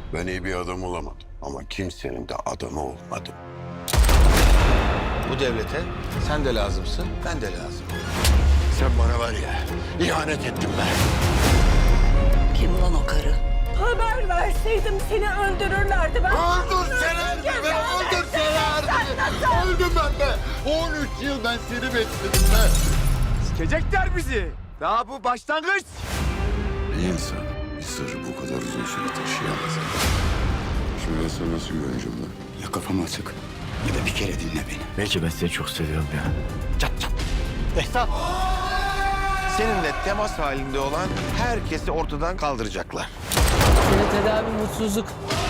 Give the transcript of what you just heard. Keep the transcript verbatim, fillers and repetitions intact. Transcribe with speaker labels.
Speaker 1: Ben iyi bir adam olamadım ama kimsenin de adamı olmadım.
Speaker 2: Bu devlete sen de lazımsın, ben de lazım.
Speaker 1: Sen bana var ya, ihanet ettin be.
Speaker 3: Kim lan o karı?
Speaker 4: Haber verseydim seni öldürürlerdi ben.
Speaker 1: Öldürselerdi be, öldürselerdi. Öldüm ben be. on üç yıl ben seni bekledim be.
Speaker 5: Sikecekler bizi. Daha bu başlangıç.
Speaker 1: Bir insan bir sırrı bu kadar uzun süre taşıyamaz. Şimdi ben sana nasıl güveneceğim lan?
Speaker 6: Ya kafam açık ya da bir kere dinle beni.
Speaker 5: Belki ben seni çok seviyorum ya.
Speaker 2: Çat çat. Behzat. Seninle temas halinde olan herkesi ortadan kaldıracaklar.
Speaker 7: Senin tedavi mutsuzluk.